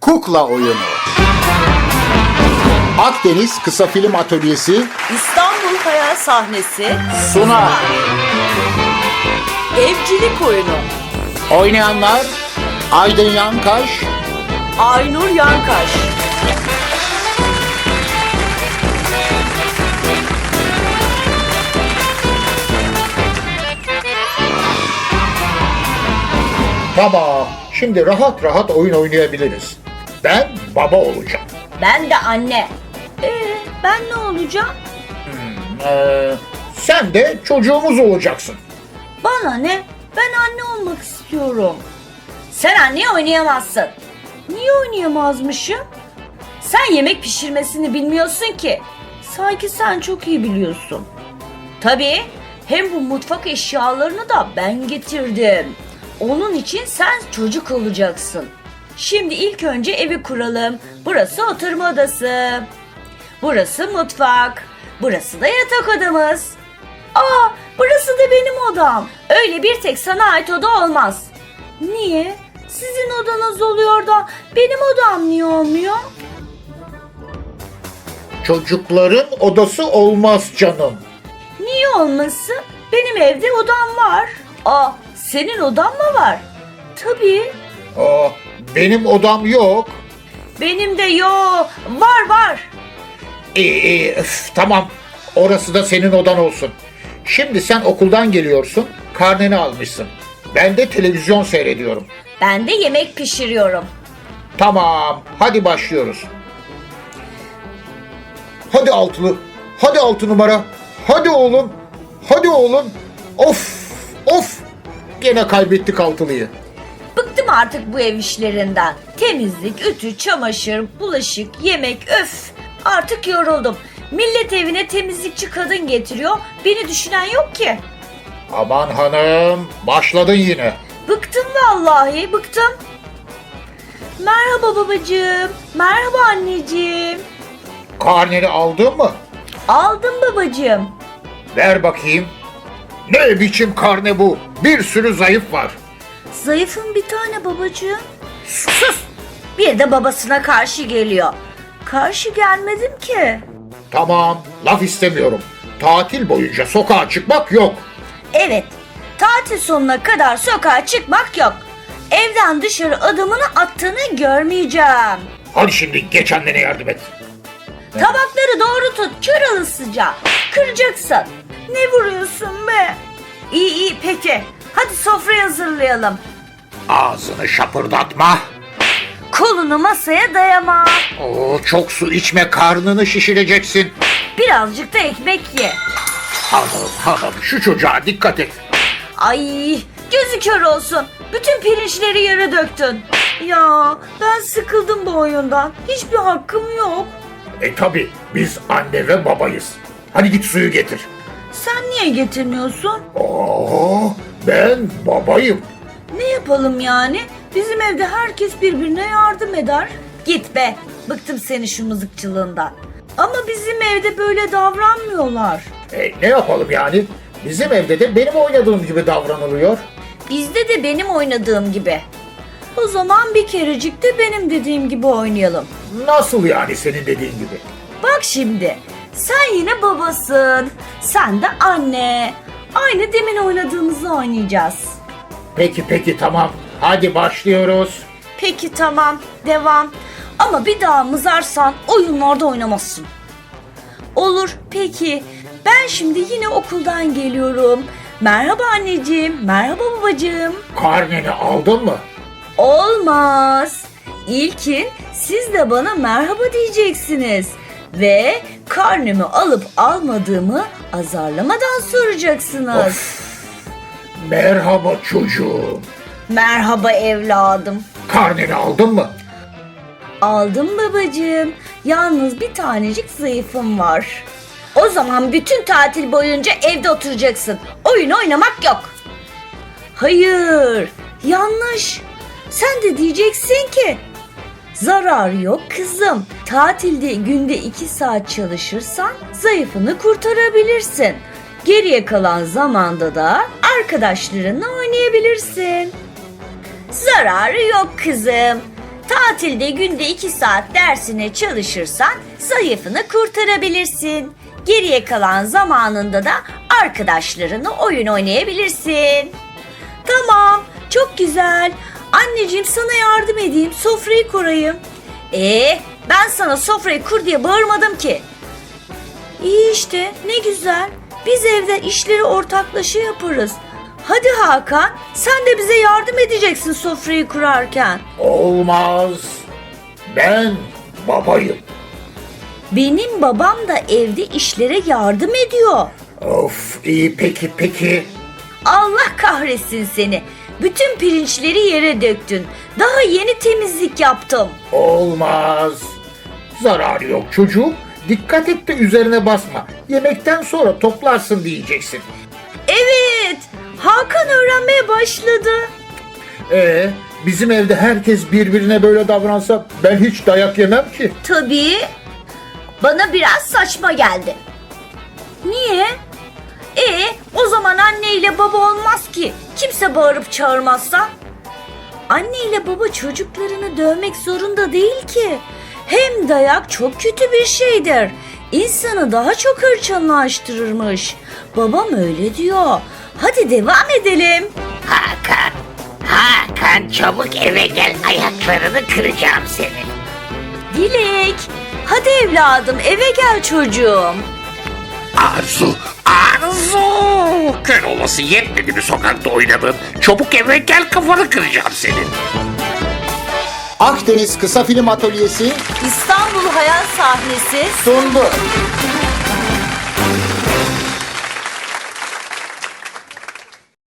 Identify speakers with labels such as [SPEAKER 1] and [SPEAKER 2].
[SPEAKER 1] Kukla Oyunu. Akdeniz Kısa Film Atölyesi
[SPEAKER 2] İstanbul Hayal Sahnesi
[SPEAKER 1] sunar.
[SPEAKER 2] Evcilik Oyunu.
[SPEAKER 1] Oynayanlar Aydın Yankaş,
[SPEAKER 2] Aynur Yankaş.
[SPEAKER 1] Tamam, şimdi rahat rahat oyun oynayabiliriz. Ben baba olacağım.
[SPEAKER 2] Ben de anne. Ben ne olacağım?
[SPEAKER 1] Sen de çocuğumuz olacaksın.
[SPEAKER 2] Bana ne? Ben anne olmak istiyorum. Sen anne oynayamazsın. Niye oynayamazmışım? Sen yemek pişirmesini bilmiyorsun ki. Sanki sen çok iyi biliyorsun. Tabii. Hem bu mutfak eşyalarını da ben getirdim. Onun için sen çocuk olacaksın. Şimdi ilk önce evi kuralım. Burası oturma odası. Burası mutfak. Burası da yatak odamız. Aa, burası da benim odam. Öyle bir tek sana ait oda olmaz. Niye? Sizin odanız oluyor da benim odam niye olmuyor?
[SPEAKER 1] Çocukların odası olmaz canım.
[SPEAKER 2] Niye olmasın? Benim evde odam var. Aa, senin odan mı var? Tabii.
[SPEAKER 1] Benim odam yok.
[SPEAKER 2] Benim de yok. Var.
[SPEAKER 1] İyi, tamam. Orası da senin odan olsun. Şimdi sen okuldan geliyorsun, karneni almışsın. Ben de televizyon seyrediyorum.
[SPEAKER 2] Ben de yemek pişiriyorum.
[SPEAKER 1] Tamam, hadi başlıyoruz. Hadi altılı, hadi 6 numara. Hadi oğlum, hadi oğlum. Of, gene kaybettik altılıyı.
[SPEAKER 2] Bıktım artık bu ev işlerinden. Temizlik, ütü, çamaşır, bulaşık, yemek, öf. Artık yoruldum. Millet evine temizlikçi kadın getiriyor. Beni düşünen yok ki.
[SPEAKER 1] Aman hanım, başladın yine.
[SPEAKER 2] Bıktım vallahi, bıktım. Merhaba babacığım. Merhaba anneciğim.
[SPEAKER 1] Karneni aldın mı?
[SPEAKER 2] Aldım babacığım.
[SPEAKER 1] Ver bakayım. Ne biçim karne bu? Bir sürü zayıf var.
[SPEAKER 2] Zayıfım bir tane babacığım. Sus! Bir de babasına karşı geliyor. Karşı gelmedim ki.
[SPEAKER 1] Tamam, laf istemiyorum. Tatil boyunca sokağa çıkmak yok.
[SPEAKER 2] Evet, tatil sonuna kadar sokağa çıkmak yok. Evden dışarı adımını attığını görmeyeceğim.
[SPEAKER 1] Hadi şimdi geç annene yardım et.
[SPEAKER 2] Tabakları doğru tut, kör alısıca. Kıracaksın. Ne vuruyorsun be? İyi peki. Hadi sofrayı hazırlayalım.
[SPEAKER 1] Ağzını şapırdatma.
[SPEAKER 2] Kolunu masaya dayama.
[SPEAKER 1] Çok su içme, karnını şişireceksin.
[SPEAKER 2] Birazcık da ekmek ye.
[SPEAKER 1] Hanım, şu çocuğa dikkat et.
[SPEAKER 2] Ay, gözü kör olsun. Bütün pirinçleri yere döktün. Ya ben sıkıldım bu oyundan. Hiçbir hakkım yok.
[SPEAKER 1] Tabi, biz anne ve babayız. Hadi git suyu getir.
[SPEAKER 2] Sen niye getirmiyorsun?
[SPEAKER 1] Ben babayım.
[SPEAKER 2] Ne yapalım yani? Bizim evde herkes birbirine yardım eder. Git be. Bıktım senin şu mızıkçılığından. Ama bizim evde böyle davranmıyorlar.
[SPEAKER 1] Ne yapalım yani? Bizim evde de benim oynadığım gibi davranılıyor.
[SPEAKER 2] Bizde de benim oynadığım gibi. O zaman bir kerecik de benim dediğim gibi oynayalım.
[SPEAKER 1] Nasıl yani senin dediğin gibi?
[SPEAKER 2] Bak şimdi. Sen yine babasın. Sen de anne. Aynı demin oynadığımızı oynayacağız.
[SPEAKER 1] Peki tamam. Hadi başlıyoruz.
[SPEAKER 2] Peki tamam. Devam. Ama bir daha mızarsan oyunlarda oynamazsın. Olur peki. Ben şimdi yine okuldan geliyorum. Merhaba anneciğim. Merhaba babacığım.
[SPEAKER 1] Karneni aldın mı?
[SPEAKER 2] Olmaz. İlkin siz de bana merhaba diyeceksiniz. Ve karnımı alıp almadığımı azarlamadan soracaksınız.
[SPEAKER 1] Merhaba çocuğum.
[SPEAKER 2] Merhaba evladım.
[SPEAKER 1] Karneni aldın mı?
[SPEAKER 2] Aldım babacığım. Yalnız bir tanecik zayıfım var. O zaman bütün tatil boyunca evde oturacaksın. Oyun oynamak yok. Hayır, yanlış. Sen de diyeceksin ki zararı yok kızım. Tatilde günde 2 saat çalışırsan zayıfını kurtarabilirsin. Geriye kalan zamanda da arkadaşlarınla oynayabilirsin. Zararı yok kızım. Tatilde günde 2 saat dersine çalışırsan zayıfını kurtarabilirsin. Geriye kalan zamanında da arkadaşlarınla oyun oynayabilirsin. Tamam, çok güzel. Anneciğim sana yardım edeyim, sofrayı kurayım. Ben sana sofrayı kur diye bağırmadım ki. İyi işte, ne güzel. Biz evde işleri ortaklaşa yaparız. Hadi Hakan, sen de bize yardım edeceksin sofrayı kurarken.
[SPEAKER 1] Olmaz. Ben babayım.
[SPEAKER 2] Benim babam da evde işlere yardım ediyor.
[SPEAKER 1] Of, iyi peki.
[SPEAKER 2] Allah kahretsin seni. Bütün pirinçleri yere döktün. Daha yeni temizlik yaptım.
[SPEAKER 1] Olmaz. Zararı yok çocuğum. Dikkat et de üzerine basma. Yemekten sonra toplarsın diyeceksin.
[SPEAKER 2] Evet, Hakan öğrenmeye başladı.
[SPEAKER 1] Bizim evde herkes birbirine böyle davransa ben hiç dayak yemem ki.
[SPEAKER 2] Tabii. Bana biraz saçma geldi. Niye? O zaman anne ile baba olmaz ki. Kimse bağırıp çağırmazsa. Anne ile baba çocuklarını dövmek zorunda değil ki. Hem dayak çok kötü bir şeydir. İnsanı daha çok hırçınlaştırırmış. Babam öyle diyor. Hadi devam edelim.
[SPEAKER 3] Hakan çabuk eve gel, ayaklarını kıracağım senin.
[SPEAKER 2] Dilek, hadi evladım eve gel çocuğum.
[SPEAKER 3] Arzu! Kör olası yetmedi mi sokakta oynadın? Çabuk eve gel, kafanı kıracağım senin.
[SPEAKER 4] Akdeniz Kısa Film Atölyesi
[SPEAKER 2] İstanbul Hayal Sahnesi
[SPEAKER 4] sundu.